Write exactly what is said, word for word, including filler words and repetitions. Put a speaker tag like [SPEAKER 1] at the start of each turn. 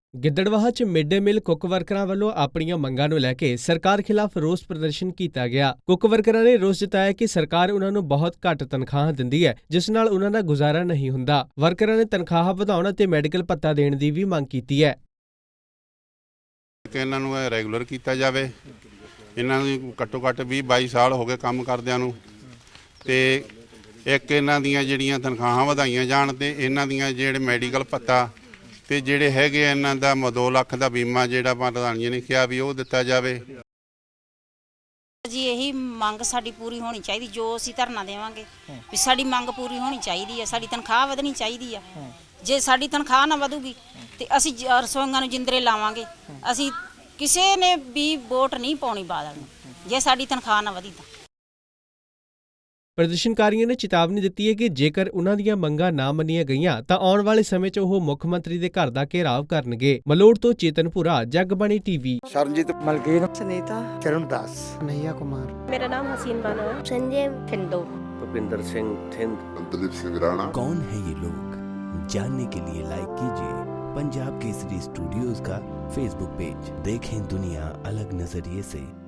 [SPEAKER 1] ਗਿੱਦੜਬਾਹਾ 'ਚ mid day meal cook ਵਰਕਰਾਂ ਵੱਲੋਂ ਆਪਣੀਆਂ ਮੰਗਾਂ ਨੂੰ ਲੈ ਕੇ ਸਰਕਾਰ ਖਿਲਾਫ ਰੋਸ ਪ੍ਰਦਰਸ਼ਨ ਕੀਤਾ ਗਿਆ। ਕੁੱਕ ਵਰਕਰਾਂ ਨੇ ਰੋਸ ਜਤਾਇਆ ਕਿ ਸਰਕਾਰ ਉਹਨਾਂ ਨੂੰ ਬਹੁਤ ਘੱਟ ਤਨਖਾਹਾਂ ਦਿੰਦੀ ਹੈ, ਜਿਸ ਨਾਲ ਉਹਨਾਂ ਦਾ ਗੁਜ਼ਾਰਾ ਨਹੀਂ ਹੁੰਦਾ। ਵਰਕਰਾਂ ਨੇ ਤਨਖਾਹਾਂ ਵਧਾਉਣ ਅਤੇ ਮੈਡੀਕਲ ਭੱਤਾ ਦੇਣ ਦੀ ਵੀ ਮੰਗ ਕੀਤੀ ਹੈ
[SPEAKER 2] ਕਿ ਇਹਨਾਂ ਨੂੰ ਰੈਗੂਲਰ ਕੀਤਾ ਜਾਵੇ। ਇਹਨਾਂ ਨੂੰ ਘੱਟੋ ਘੱਟ ਵੀਹ ਬਾਈ ਸਾਲ ਹੋ ਗਏ ਕੰਮ ਕਰਦਿਆਂ ਨੂੰ, ਤੇ ਇੱਕ ਇਹਨਾਂ ਦੀਆਂ ਜਿਹੜੀਆਂ ਤਨਖਾਹਾਂ ਵਧਾਈਆਂ ਜਾਣ ਤੇ ਇਹਨਾਂ ਦੀਆਂ ਜਿਹੜੇ ਮੈਡੀਕਲ ਭੱਤਾ ਤੇ ਜਿਹੜੇ ਹੈਗੇ ਇਹਨਾਂ ਦਾ ਦੋ ਲੱਖ ਦਾ ਬੀਮਾ ਜਿਹੜਾ ਪ੍ਰਧਾਨ ਜੀ ਨੇ ਕਿਹਾ ਵੀ ਉਹ ਦਿੱਤਾ ਜਾਵੇ।
[SPEAKER 3] ਜੀ ਇਹੀ ਮੰਗ ਸਾਡੀ ਪੂਰੀ ਹੋਣੀ ਚਾਹੀਦੀ, ਜੋ ਅਸੀਂ ਧਰਨਾ ਦੇਵਾਂਗੇ ਵੀ ਸਾਡੀ ਮੰਗ ਪੂਰੀ ਹੋਣੀ ਚਾਹੀਦੀ ਹੈ, ਸਾਡੀ ਤਨਖਾਹ ਵਧਣੀ ਚਾਹੀਦੀ ਆ। ਜੇ ਸਾਡੀ ਤਨਖਾਹ ਨਾ ਵਧੂਗੀ ਤੇ ਅਸੀਂ ਰਸੋਈਆਂ ਨੂੰ ਜਿੰਦਰੇ ਲਾਵਾਂਗੇ। ਅਸੀਂ ਕਿਸੇ ਨੇ ਵੀ ਵੋਟ ਨਹੀਂ ਪਾਉਣੀ ਬਾਦਲ ਨੂੰ ਜੇ ਸਾਡੀ ਤਨਖਾਹ ਨਾ ਵਧੀ ਤਾਂ।
[SPEAKER 1] ਪ੍ਰਦਰਸ਼ਨਕਾਰੀਆਂ ਨੇ ਚੇਤਾਵਨੀ ਦਿੱਤੀ ਹੈ ਕਿ ਜੇਕਰ ਉਨ੍ਹਾਂ ਦੀਆਂ ਮੰਗਾਂ ਨਾ ਮੰਨੀਆਂ ਗਈਆਂ ਤਾਂ ਆਉਣ ਵਾਲੇ ਸਮੇਂ 'ਚ ਉਹ ਮੁੱਖ ਮੰਤਰੀ ਦੇ ਘਰ ਦਾ ਘੇਰਾਵ ਕਰਨਗੇ। ਮਲੋੜ ਤੋਂ ਚੇਤਨਪੁਰਾ, ਜਗਬਾਣੀ ਟੀਵੀ।
[SPEAKER 4] ਸਰਨਜੀਤ ਮਲਕੀਨ,
[SPEAKER 5] ਸੁਨੀਤਾ
[SPEAKER 4] ਚਰਨਦਾਸ, ਕਨਈਆ ਕੁਮਾਰ।
[SPEAKER 6] मेरा नाम हसीन बानो है।
[SPEAKER 7] संजय ठिंडो,
[SPEAKER 8] भूपिंदर सिंह थिंद,
[SPEAKER 9] दलीप सिंह राणा।
[SPEAKER 10] कौन है ये लोग? जानने के लिए लाइक कीजिए पंजाब केसरी स्टूडियोज का फेसबुक पेज। देखें दुनिया अलग नजरिए से।